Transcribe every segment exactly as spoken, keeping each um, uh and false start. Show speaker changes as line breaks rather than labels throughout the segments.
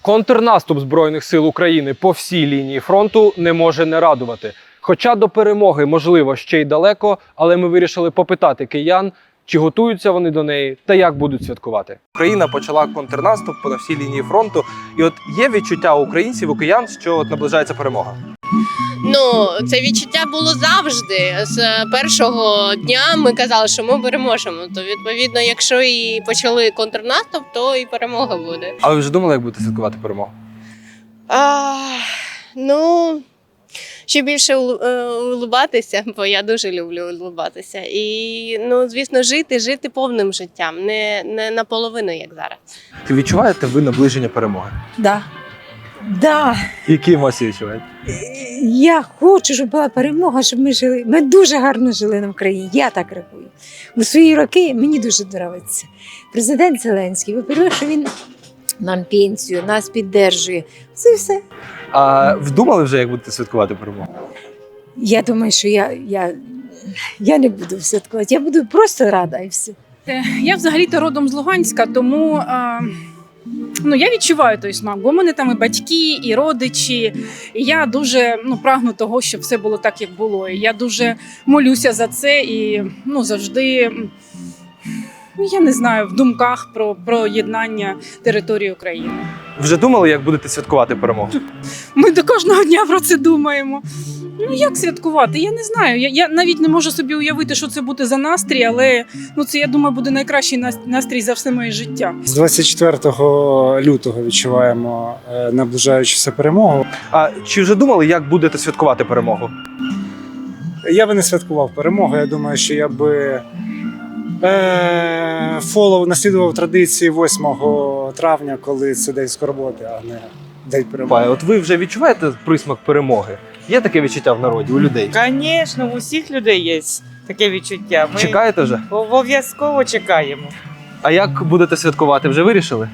Контрнаступ Збройних сил України по всій лінії фронту не може не радувати. Хоча до перемоги, можливо, ще й далеко, але ми вирішили попитати киян, чи готуються вони до неї та як будуть святкувати. Україна почала контрнаступ по всій лінії фронту. І от є відчуття у українців, у киян, що от наближається перемога.
Ну, це відчуття було завжди. З першого дня ми казали, що ми переможемо. То, відповідно, якщо і почали контрнаступ, то і перемога буде.
А ви вже думали, як будете святкувати перемогу?
А, ну, ще більше улу- е, улыбатися, бо я дуже люблю улыбатися. І, ну, звісно, жити, жити повним життям, не, не наполовину, як зараз.
Чи відчуваєте ви наближення перемоги?
Да. Да.
Які емоції відчуваєте?
Я хочу, щоб була перемога, щоб ми жили. Ми дуже гарно жили на Україні. Я так рахую. У свої роки мені дуже подобається. Президент Зеленський, по-перше, що він нам пенсію, нас підтримує. Це все.
А вдумали вже, як будете святкувати перемогу?
Я думаю, що я, я, я не буду святкувати. Я буду просто рада і все.
Я взагалі-то родом з Луганська, тому а, ну, я відчуваю той смак, бо в мене там і батьки, і родичі. І я дуже ну, прагну того, щоб все було так, як було. І я дуже молюся за це і ну, завжди, ну, я не знаю, в думках про, про єднання території України.
Вже думали, як будете святкувати перемогу?
Ми до кожного дня про це думаємо. Ну як святкувати? Я не знаю. Я, я навіть не можу собі уявити, що це буде за настрій, але ну це, я думаю, буде найкращий нас- настрій за все моє життя.
З двадцять четвертого лютого відчуваємо е, наближаючуся перемогу.
А чи вже думали, як будете святкувати перемогу?
Я би не святкував перемогу. Я думаю, що я би е, фолов наслідував традиції восьмого травня, коли це день скорботи, а не день перемоги.
Пане, от ви вже відчуваєте присмак перемоги? Є таке відчуття в народі, у людей?
Звісно, у всіх людей є таке відчуття. Ми
Чекаєте вже?
обов'язково чекаємо.
А як будете святкувати, вже вирішили?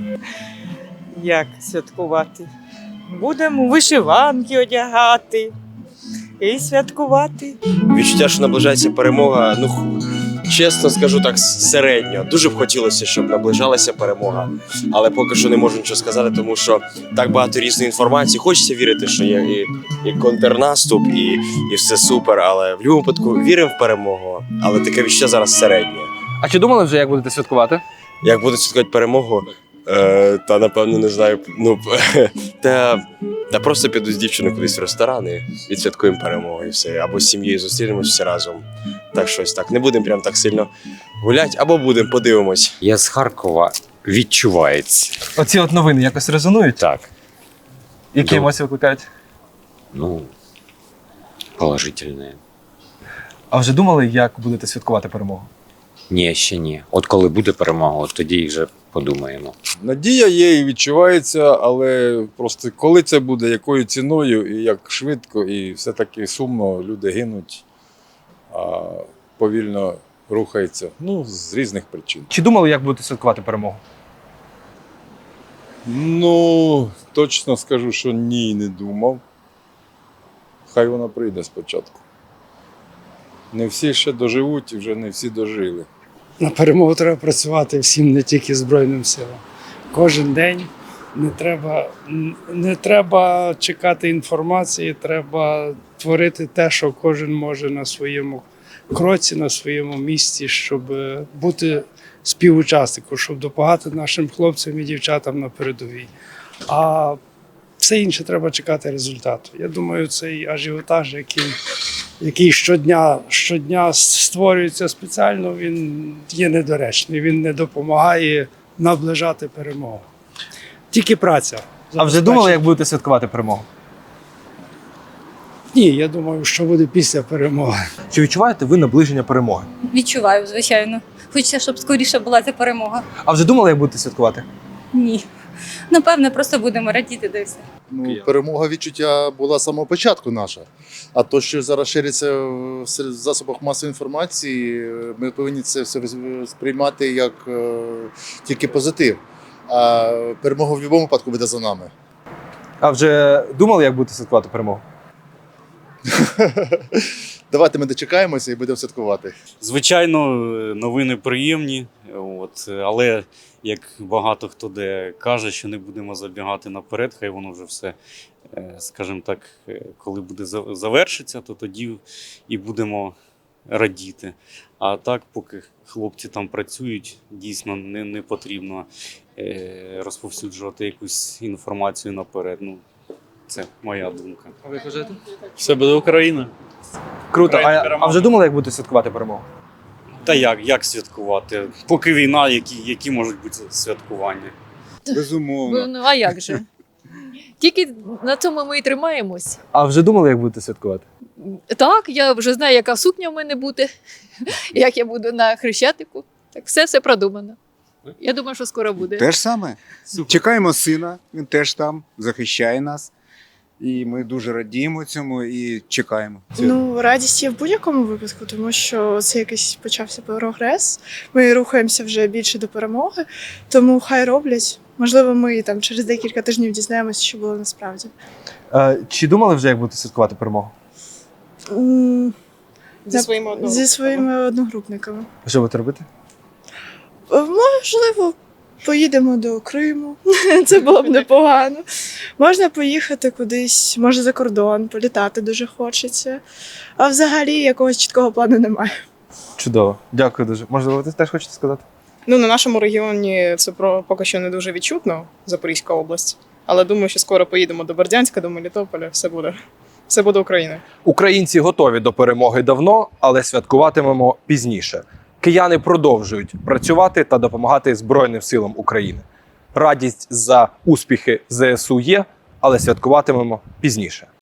Як святкувати? Будемо вишиванки одягати і святкувати.
Відчуття, що наближається перемога, ну х- чесно скажу так, середньо. Дуже б хотілося, щоб наближалася перемога, але поки що не можу нічого сказати, тому що так багато різної інформації. Хочеться вірити, що є і, і контрнаступ, і, і все супер, але в будь-якому випадку віримо в перемогу, але таке відчуття зараз середнє.
А чи думали вже, як будете святкувати?
Як буду святкувати перемогу, е, та напевно не знаю, ну та, та просто піду з дівчиною кудись в ресторан і відсвяткуємо перемогу і все. Або з сім'єю зустрінемось всі разом. Так щось так. Не будемо прям так сильно гуляти, або будемо, подивимось.
Я з Харкова, відчувається.
Оці от новини якось резонують?
Так,
Які
Ну.
емоції викликають?
ну, положительне.
А вже думали, як будете святкувати перемогу?
Ні, ще ні. От коли буде перемога, от тоді і вже подумаємо.
Надія є і відчувається, але просто коли це буде, якою ціною і як швидко, і все-таки сумно, люди гинуть, а повільно рухаються. Ну, з різних причин.
Чи думали, як будете святкувати перемогу?
Ну, точно скажу, що ні, не думав. Хай вона прийде спочатку. Не всі ще доживуть і вже не всі дожили.
На перемогу треба працювати всім, не тільки Збройним силам. Кожен день не треба, не треба чекати інформації, треба творити те, що кожен може на своєму кроці, на своєму місці, щоб бути співучасником, щоб допомагати нашим хлопцям і дівчатам на передовій. А все інше треба чекати результату. Я думаю, цей ажіотаж, який, який щодня, щодня створюється спеціально, він є недоречний, він не допомагає наближати перемогу. Тільки праця.
А вже думали, як будете святкувати перемогу?
Ні, я думаю, що буде після перемоги.
Чи відчуваєте ви наближення перемоги?
Відчуваю, звичайно. Хочеться, щоб скоріше була ця перемога.
А вже думали, як будете святкувати?
Ні. Напевне, просто будемо радіти до все.
Ну, перемога відчуття була з самого початку наша. А то, що зараз шириться в сер- засобах масової інформації, ми повинні це все сприймати як е, тільки позитив. А перемога в будь-якому випадку буде за нами.
А вже думали, як будете святкувати перемогу?
Давайте ми дочекаємося і будемо святкувати.
Звичайно, новини приємні, от, але як багато хто де каже, що не будемо забігати наперед, хай воно вже все, е, скажімо так, е, коли буде за- завершиться, то тоді і будемо радіти. А так, поки хлопці там працюють, дійсно не, не потрібно е, розповсюджувати якусь інформацію наперед. Ну, це моя думка.
А ви кажете?
Все буде Україна.
Круто.
Україна
А,
переможе.
а вже думали, як будете святкувати перемогу?
Та як, як святкувати? Поки війна, які, які можуть бути святкування?
Безумовно. Ну, а як же? Тільки на цьому ми і тримаємось.
А вже думали, як будете святкувати?
Так, я вже знаю, яка сукня в мене буде, як я буду на Хрещатику. Так, все все продумано. Я думаю, що скоро буде.
Те ж саме. Чекаємо сина, він теж там, захищає нас. І ми дуже радіємо цьому і чекаємо.
Ну, радість є в будь-якому випадку, тому що це якийсь почався прогрес. Ми рухаємося вже більше до перемоги, тому хай роблять. Можливо, ми там через декілька тижнів дізнаємося, що було насправді.
Е, чи думали вже, як будете святкувати перемогу?
М,
Зі
на-
своїми одногрупниками.
Зі своїми одногрупниками.
Що будете робити?
Е, Можливо, поїдемо до Криму. Це було б непогано. Можна поїхати кудись, може за кордон, політати дуже хочеться. А взагалі якогось чіткого плану немає.
Чудово. Дякую дуже. Можливо, ви теж хочете сказати?
Ну, на нашому регіоні це про поки що не дуже відчутно, Запорізька область. Але думаю, що скоро поїдемо до Бердянська, до Мелітополя. Все буде. Все буде Україна.
Українці готові до перемоги давно, але святкуватимемо пізніше. Кияни продовжують працювати та допомагати Збройним силам України. Радість за успіхи ЗСУ є, але святкуватимемо пізніше.